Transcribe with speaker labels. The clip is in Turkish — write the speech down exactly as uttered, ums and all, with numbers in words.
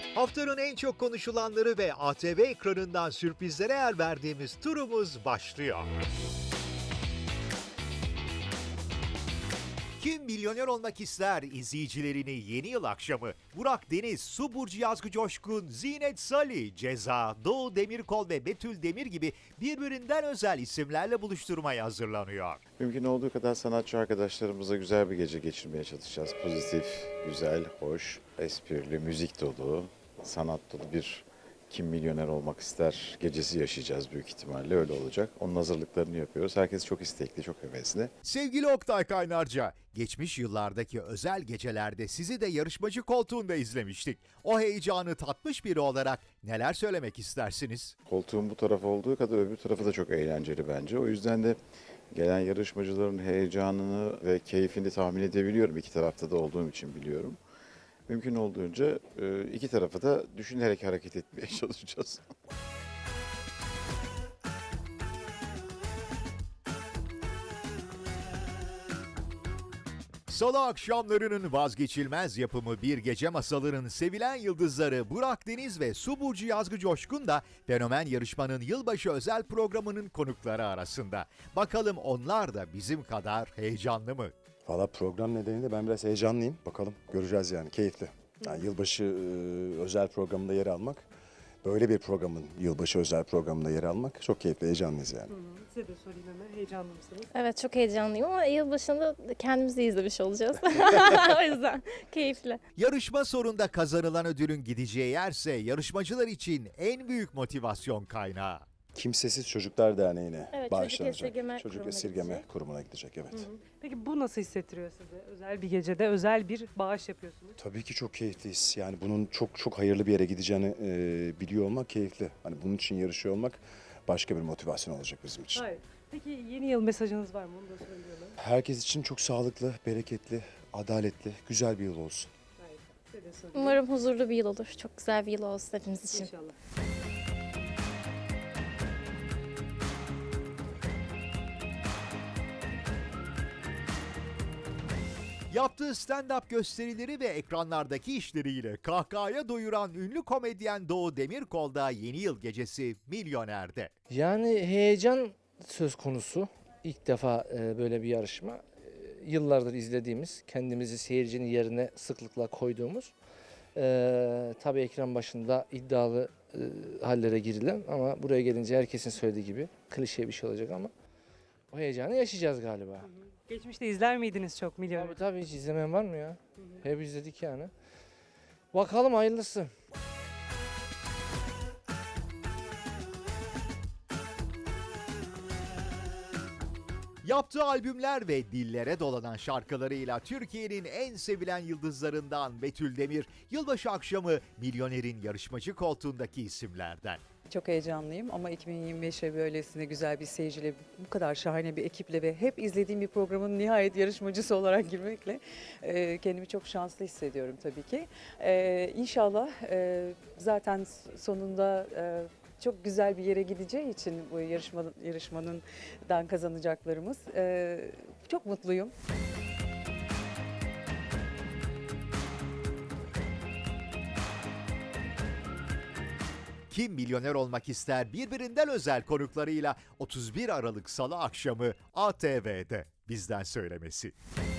Speaker 1: Haftanın en çok konuşulanları ve A T V ekranından sürprizlere yer verdiğimiz turumuz başlıyor. Kim Milyoner Olmak İster izleyicilerini yeni yıl akşamı Burak Deniz, Su Burcu Yazgı Coşkun, Zinet Salih, Ceza, Doğu Demirkol ve Betül Demir gibi birbirinden özel isimlerle buluşturmaya hazırlanıyor.
Speaker 2: Mümkün olduğu kadar sanatçı arkadaşlarımıza güzel bir gece geçirmeye çalışacağız. Pozitif, güzel, hoş, esprili, müzik dolu, sanat dolu bir Kim Milyoner Olmak İster gecesi yaşayacağız büyük ihtimalle, öyle olacak. Onun hazırlıklarını yapıyoruz. Herkes çok istekli, çok hevesli.
Speaker 1: Sevgili Oktay Kaynarca, geçmiş yıllardaki özel gecelerde sizi de yarışmacı koltuğunda izlemiştik. O heyecanı tatmış biri olarak neler söylemek istersiniz?
Speaker 2: Koltuğun bu tarafı olduğu kadar öbür tarafı da çok eğlenceli bence. O yüzden de gelen yarışmacıların heyecanını ve keyfini tahmin edebiliyorum. İki tarafta da olduğum için biliyorum. Mümkün olduğunca iki tarafı da düşünerek hareket etmeye çalışacağız.
Speaker 1: Salı akşamlarının vazgeçilmez yapımı Bir Gece Masalı'nın sevilen yıldızları Burak Deniz ve Su Burcu Yazgı Coşkun da Fenomen Yarışma'nın yılbaşı özel programının konukları arasında. Bakalım onlar da bizim kadar heyecanlı mı?
Speaker 3: Valla program nedeniyle ben biraz heyecanlıyım. Bakalım göreceğiz yani, keyifli. Yani yılbaşı e, özel programında yer almak, böyle bir programın yılbaşı özel programında yer almak çok keyifli, heyecanlıyız yani.
Speaker 4: Hı hı. Size de sorayım hemen, heyecanlı mısınız?
Speaker 5: Evet, çok heyecanlıyım ama yılbaşında kendimizi izlemiş olacağız. O yüzden keyifli.
Speaker 1: Yarışma sonunda kazanılan ödülün gideceği yerse yarışmacılar için en büyük motivasyon kaynağı.
Speaker 3: Kimsesiz Çocuklar Derneği'ne
Speaker 5: Evet, Çocuk
Speaker 3: bağışlanacak.
Speaker 5: Esirgeme
Speaker 3: Çocuk
Speaker 5: Kurumu'na
Speaker 3: Esirgeme
Speaker 5: gidecek.
Speaker 3: Kurumu'na gidecek, evet.
Speaker 4: Hı hı. Peki bu nasıl hissettiriyor size? Özel bir gecede özel bir bağış yapıyorsunuz.
Speaker 3: Tabii ki çok keyifliyiz. Yani bunun çok çok hayırlı bir yere gideceğini e, biliyor olmak keyifli. Hani bunun için yarışıyor olmak başka bir motivasyon olacak bizim için.
Speaker 4: Hayır. Peki yeni yıl mesajınız var mı? Onu da söylüyorum.
Speaker 3: Herkes için çok sağlıklı, bereketli, adaletli, güzel bir yıl olsun.
Speaker 4: Hayır. Size de sorayım.
Speaker 5: Umarım huzurlu bir yıl olur. Çok güzel bir yıl olsun hepimiz için.
Speaker 4: İnşallah.
Speaker 1: Yaptığı stand-up gösterileri ve ekranlardaki işleriyle kahkahaya doyuran ünlü komedyen Doğu Demirkol da yeni yıl gecesi Milyoner'de.
Speaker 6: Yani heyecan söz konusu. İlk defa e, böyle bir yarışma. E, yıllardır izlediğimiz, kendimizi seyircinin yerine sıklıkla koyduğumuz. E, tabii ekran başında iddialı e, hallere girilen ama buraya gelince herkesin söylediği gibi klişe bir şey olacak ama o heyecanı yaşayacağız galiba.
Speaker 4: Hı hı. Geçmişte izler miydiniz çok Milyoner?
Speaker 6: Tabii tabii, hiç izlemeyen var mı ya? Hep izledik yani. Bakalım hayırlısı.
Speaker 1: Yaptığı albümler ve dillere dolanan şarkılarıyla Türkiye'nin en sevilen yıldızlarından Betül Demir, yılbaşı akşamı Milyoner'in yarışmacı koltuğundaki isimlerden.
Speaker 7: Çok heyecanlıyım ama iki bin yirmi beşe böylesine güzel bir seyirciyle, bu kadar şahane bir ekiple ve hep izlediğim bir programın nihayet yarışmacısı olarak girmekle e, kendimi çok şanslı hissediyorum tabii ki. E, İnşallah e, zaten sonunda e, çok güzel bir yere gideceği için bu yarışma, yarışmanından kazanacaklarımız. E, çok mutluyum.
Speaker 1: Kim Milyoner Olmak İster birbirinden özel konuklarıyla otuz bir Aralık Salı akşamı A T V'de bizden söylemesi.